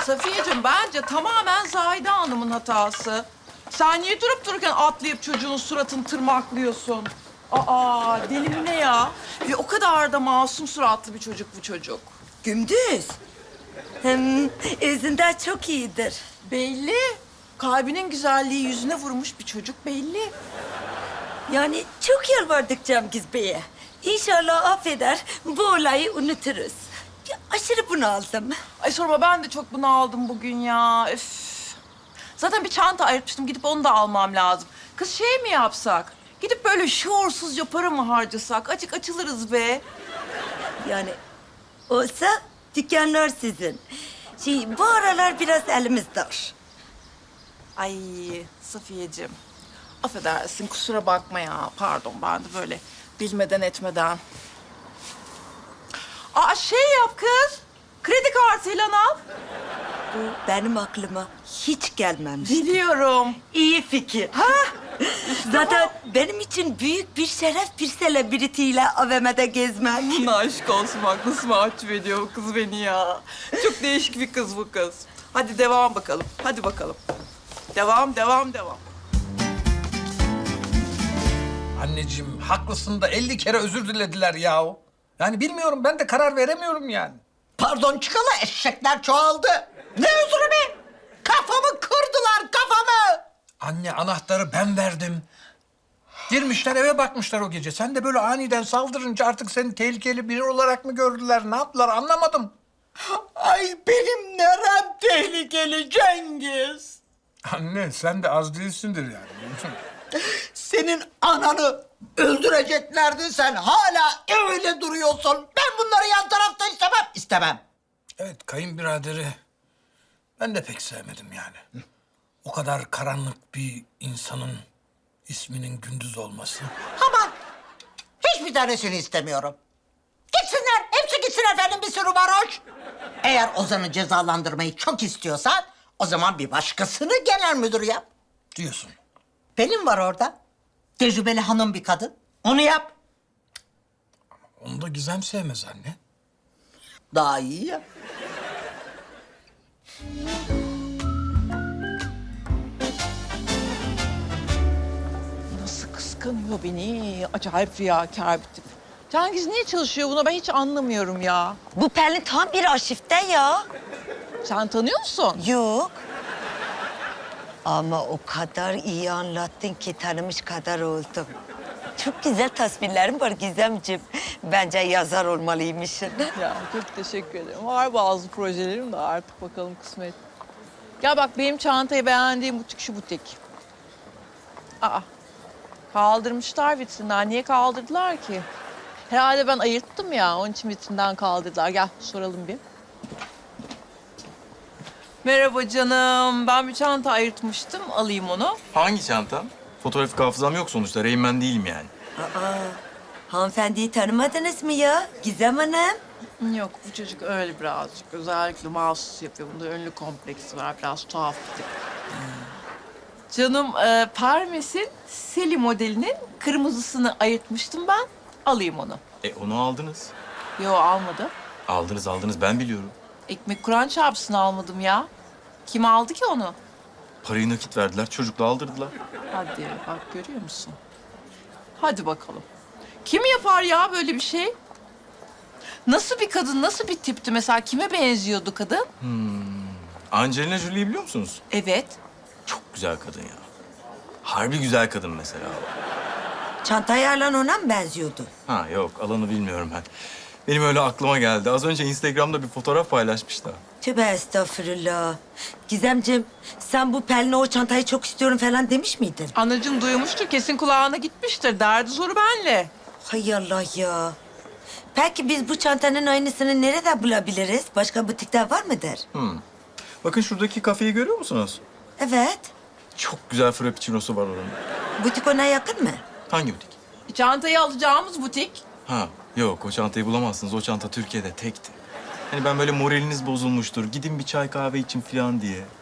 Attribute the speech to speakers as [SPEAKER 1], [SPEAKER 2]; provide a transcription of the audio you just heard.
[SPEAKER 1] Safiyeciğim bence tamamen Zahide Hanım'ın hatası. Sen niye durup dururken atlayıp çocuğun suratını tırmaklıyorsun? Aa, deli mi ne ya? Ve o kadar da masum suratlı bir çocuk bu çocuk.
[SPEAKER 2] Gündüz. Hem özünden çok iyidir.
[SPEAKER 1] Belli. Kalbinin güzelliği yüzüne vurmuş bir çocuk belli.
[SPEAKER 2] Yani çok yalvardık Cengiz Bey'e. İnşallah affeder, bu olayı unuturuz. Ya, aşırı bunaldım.
[SPEAKER 1] Ay sorma ben de çok bunaldım bugün ya. Üf. Zaten bir çanta ayırtmıştım. Gidip onu da almam lazım. Kız şey mi yapsak? Gidip böyle şuursuzca para mı harcasak? Açık açılırız be.
[SPEAKER 2] Yani olsa dükkanlar sizin. Bu aralar biraz elimiz dar.
[SPEAKER 1] Ay Safiyeciğim. Affedersin kusura bakma ya. Pardon ben de böyle bilmeden etmeden. Aa şey yap kız. Kredi kartıyla al.
[SPEAKER 2] Bu benim aklıma hiç gelmemişti.
[SPEAKER 1] Biliyorum.
[SPEAKER 2] İyi fikir. Zaten benim için büyük bir şeref bir selebritiyle AVM'de gezmek.
[SPEAKER 1] Aşk olsun bak nasıl mahcup ediyor bu kız beni ya. Çok değişik bir kız bu kız. Hadi devam bakalım. Hadi bakalım. Devam, devam, devam.
[SPEAKER 3] Anneciğim haklısın da 50 kere özür dilediler yahu. Yani bilmiyorum ben de karar veremiyorum yani.
[SPEAKER 4] Pardon çıkalı eşekler çoğaldı. Ne özürü be? Kafamı kırdılar kafamı.
[SPEAKER 3] Anne anahtarı ben verdim. Girmişler eve bakmışlar o gece. Sen de böyle aniden saldırınca artık seni tehlikeli biri olarak mı gördüler? Ne yaptılar anlamadım.
[SPEAKER 4] Ay benim nerem tehlikeli Cengiz.
[SPEAKER 3] Anne sen de az değilsindir yani.
[SPEAKER 4] Senin ananı öldüreceklerdi sen hala öyle duruyorsun. Ben bunları yan tarafta istemem. İstemem.
[SPEAKER 3] Evet kayınbiraderi ben de pek sevmedim yani. O kadar karanlık bir insanın isminin Gündüz olması.
[SPEAKER 4] Aman hiçbir tanesini istemiyorum. Gitsinler hepsi gitsin efendim bir sürü varoş. Eğer Ozan'ı cezalandırmayı çok istiyorsan o zaman bir başkasını genel müdür yap.
[SPEAKER 3] Diyorsun.
[SPEAKER 4] Pelin var orada. Tecrübeli hanım bir kadın. Onu yap.
[SPEAKER 3] Onu da Gizem sevmez anne.
[SPEAKER 4] Daha iyi ya.
[SPEAKER 1] Nasıl kıskanıyor beni? Acayip riyakar bir tip. Cengiz niye çalışıyor buna ben hiç anlamıyorum ya.
[SPEAKER 2] Bu Pelin tam bir arşivde ya.
[SPEAKER 1] Sen tanıyor musun?
[SPEAKER 2] Yok. Ama o kadar iyi anlattın ki tanımış kadar oldum. Çok güzel tasvirlerim var Gizemciğim. Bence yazar olmalıymışsın.
[SPEAKER 1] Ya çok teşekkür ederim. Var bazı projelerim de artık bakalım kısmet. Ya bak benim çantayı beğendiğim butik şu butik. Aa, kaldırmışlar vitrinden. Niye kaldırdılar ki? Herhalde ben ayırttım ya, onun için vitrinden kaldırdılar. Gel soralım bir. Merhaba canım. Ben bir çanta ayırtmıştım. Alayım onu.
[SPEAKER 5] Hangi çanta? Fotoğrafik hafızam yok sonuçta. Rain Man değilim yani.
[SPEAKER 2] Hanımefendiyi tanımadınız mı ya Gizem Hanım?
[SPEAKER 1] Yok, bu çocuk öyle birazcık. Özellikle mahsus yapıyor. Bunda ünlü kompleksi var. Biraz tuhaf bir tip. Canım, Parmes'in Seli modelinin kırmızısını ayırtmıştım ben. Alayım onu.
[SPEAKER 5] Onu aldınız.
[SPEAKER 1] Yo, almadım.
[SPEAKER 5] Aldınız ben biliyorum.
[SPEAKER 1] Ekmek Kur'an çarpısını almadım ya. Kim aldı ki onu?
[SPEAKER 5] Parayı nakit verdiler, çocukla aldırdılar.
[SPEAKER 1] Hadi bak görüyor musun? Hadi bakalım. Kim yapar ya böyle bir şey? Nasıl bir kadın, nasıl bir tipti mesela? Kime benziyordu kadın?
[SPEAKER 5] Angelina Jolie'yi biliyor musunuz?
[SPEAKER 1] Evet.
[SPEAKER 5] Çok güzel kadın ya. Harbi güzel kadın mesela.
[SPEAKER 2] Çantayla ona mı benziyordu?
[SPEAKER 5] Ha yok, alanı bilmiyorum ben. Benim öyle aklıma geldi. Az önce Instagram'da bir fotoğraf paylaşmış da.
[SPEAKER 2] Tövbe estağfurullah. Gizemciğim sen bu Pelin'e o çantayı çok istiyorum falan demiş miydin?
[SPEAKER 1] Anacığım duymuştur, kesin kulağına gitmiştir. Derdi zoru benle.
[SPEAKER 2] Hay Allah ya. Peki biz bu çantanın aynısını nerede bulabiliriz? Başka butikte var mıdır?
[SPEAKER 5] Bakın şuradaki kafeyi görüyor musunuz?
[SPEAKER 2] Evet.
[SPEAKER 5] Çok güzel frappuccino'su var oranın.
[SPEAKER 2] Butik ona yakın mı?
[SPEAKER 5] Hangi butik?
[SPEAKER 1] Çantayı alacağımız butik.
[SPEAKER 5] Ha yok, o çantayı bulamazsınız. O çanta Türkiye'de tekti. Hani ben böyle moraliniz bozulmuştur, gidin bir çay kahve için falan diye.